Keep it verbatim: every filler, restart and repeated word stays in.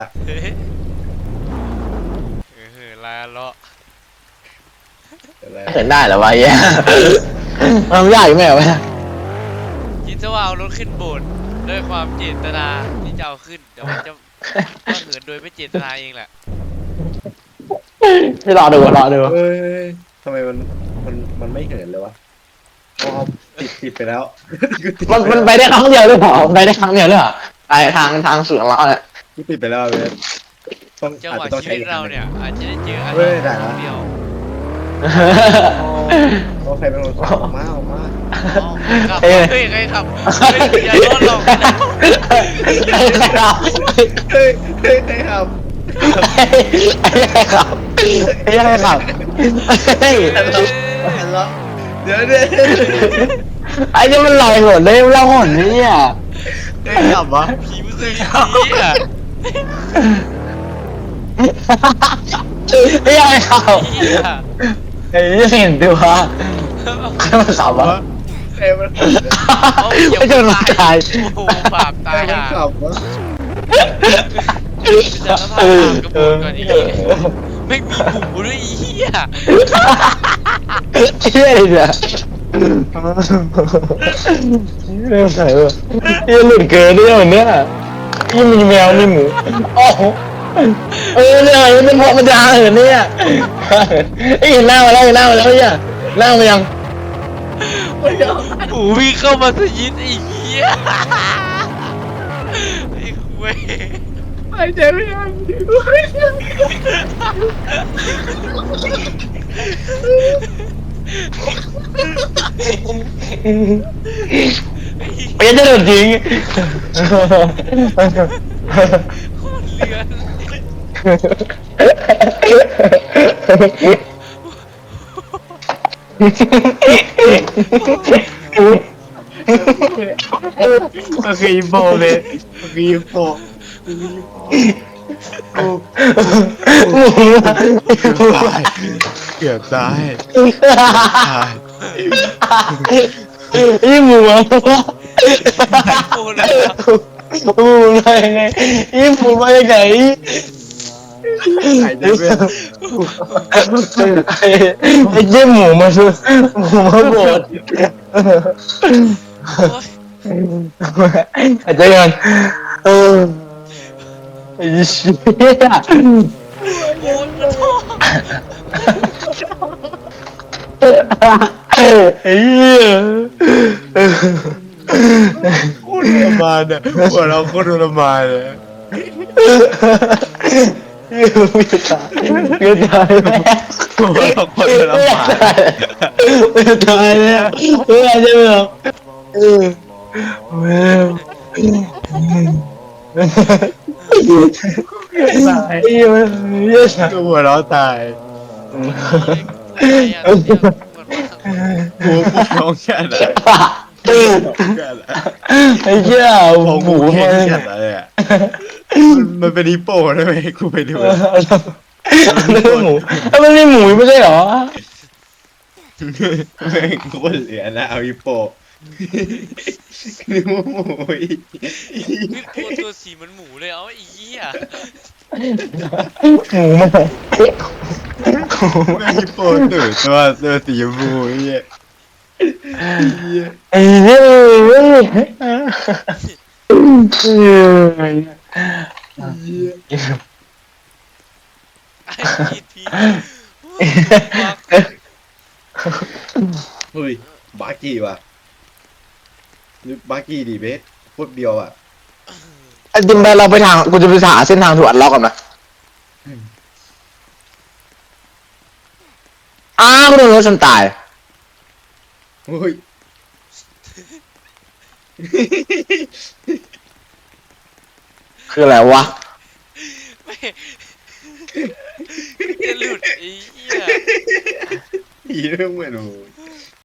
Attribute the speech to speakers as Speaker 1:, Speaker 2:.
Speaker 1: เฮ้ยเออลาเลาะ
Speaker 2: เห็นได้เหรอวะเหี้ยมันยากอยู่ไหมวะ
Speaker 1: คิดซะว่าเอารถขึ้นโบสถ์ด้วยความเจตนาที่จะเอาขึ้นเดี๋ยวมันจะก็เหินโดยไม่เจตนาเองแหละ
Speaker 2: ที่รอดูรอดู
Speaker 3: เอ้ยทำไมมันมันมันไม่เหินเลยวะอ๋อติดติดไปแล้ว
Speaker 2: มันมันไปได้ครั้งเดียวหรือเปล่าไปได้ครั้งเดียวหรือเปล่าไปทางทางสวนเราเนี่ย
Speaker 3: กูติดไปแล้วเว้ยต้อง
Speaker 1: จัง
Speaker 3: อาจ
Speaker 1: หวะ
Speaker 3: จะต้อง
Speaker 1: ชี
Speaker 3: ใช้
Speaker 1: วิต
Speaker 3: อีก
Speaker 1: เรา
Speaker 3: อันหนึ่ง
Speaker 1: เนี่ยอาจจะได้เจออะไร
Speaker 3: เฮ้ยได้แล้ว
Speaker 1: เดียว
Speaker 3: โอเคเป็นคนขับออกมาออกมา
Speaker 1: อ๋อขับเฮ้ยใครขับเฮ้ยอย่าล้อหลอกนะ
Speaker 2: ใครขับ
Speaker 3: เฮ้ยเฮ้ยใครขับ
Speaker 2: ใครขับใครขับเฮ้ย
Speaker 3: เห็นแล้วเดี๋ยวเดี๋ยว
Speaker 2: ไอ้นี่มันลอยหนเลยมันลอยหนเนี่ย
Speaker 3: ใครขับวะ
Speaker 1: ผีมือคือผีอ่ะ
Speaker 2: ไอ้ยังไงขับ
Speaker 1: ผีอ่ะ
Speaker 2: ไอ้ยังเห็นตัวใครมันขับวะ
Speaker 3: ใครมันขับเนี่ย
Speaker 2: ไม่จะมันตาย
Speaker 1: โอ้โหบาป
Speaker 3: ใคร
Speaker 1: ตาย
Speaker 3: มัน
Speaker 1: อ่ะ
Speaker 3: ขับวะ
Speaker 1: จะสภาพตามกระบวนก่อนอีกไม่มีหมูด้วยอีเหี้ย
Speaker 2: เชื่อเลยเนี่ยเรื่องไหนวะยังหลุดเกินเนี่ยวันเนี้ยยังมีแมวมีหมูโอ้โหเออเนี่ยมันเป็นเพราะมันจะหาเหินเนี่ยไอ้เห็นหน้ามาแล้วเห็นหน้ามาแล้วเนี่ยหน้ามายัง
Speaker 1: หมูวิ่งเข้ามาสยิดไอ้เหี้ยไอ้เว้ย
Speaker 3: หายใจไม่ออก
Speaker 2: ไปจะโดนจริง
Speaker 1: โคตรเลือน
Speaker 3: มันคืออีโฟเลยมันคืออีโฟกูเกือบตายตาย
Speaker 2: ยี่หมูอ่ะ
Speaker 1: โคตรเลยอะ
Speaker 2: หมูมายังไงยี่หมูมายังไง
Speaker 3: หายใจไม่ออก
Speaker 2: ไอ้ยี่หมูมาซื้อหมูมาบด
Speaker 1: โอ๊ย
Speaker 2: อาจจะยังเออไอ้เชี่ย
Speaker 1: โอ้ยมันท้อ
Speaker 2: ไอ้เหี้ย
Speaker 3: โคตรทรมานอ่ะหัวเราโคตรทรมานเลย
Speaker 2: ไม่ตายไม่ตายแม่
Speaker 3: หัวเราโคตรทรมาน
Speaker 2: ไม่ตายแล้วไม่ตายใช่ไหมครับเออแม่ตายเยอะเยอะ
Speaker 3: หัวเราตาย
Speaker 1: ไอ้อะ
Speaker 3: หัวกูร้องแค่ไหนแค่ไหน
Speaker 2: ไอ้เหี้ย
Speaker 3: พอ
Speaker 2: ห
Speaker 3: กู
Speaker 2: มู
Speaker 3: แค่
Speaker 2: มัน
Speaker 3: แค่ไหนอ่ะมันเป็นฮิปโปได้ไหมกูไปดู
Speaker 2: มันเป็นหมูมันไม่หมูไม่ใช่เหรอ
Speaker 3: แม่งโคตรเหลือนะเอาฮิปโปนึกว่าหมูอีก
Speaker 1: ตัวตัวสีเหมันหมูเลยเอาไอ้เหี้ย
Speaker 2: หมูมัน
Speaker 3: แม่งฮิปโปตื่นตัวตัวสีชมพูไอ้เหี้ยเหี้ย
Speaker 2: ไอ้เหี้ยเหี้ย
Speaker 3: เหี้ย
Speaker 1: ไอ้พีทีโอ้ย
Speaker 3: เฮ้ยบาร์กี้ว่ะนึกบาร์กี้ดีเบสพวกเดียวอ่ะ
Speaker 2: ไอ้จิมไปเราไปทางกูจะไปหาเส้นทางถูกอัดล็อกก่อนนะอ้าวกูโดนรถชนตาย
Speaker 3: เฮ้ย
Speaker 2: คืออะไรวะ
Speaker 1: ไม่จะหลุดไอ้เหี้ย
Speaker 3: ผีเรื่องเหมือนโอ้ย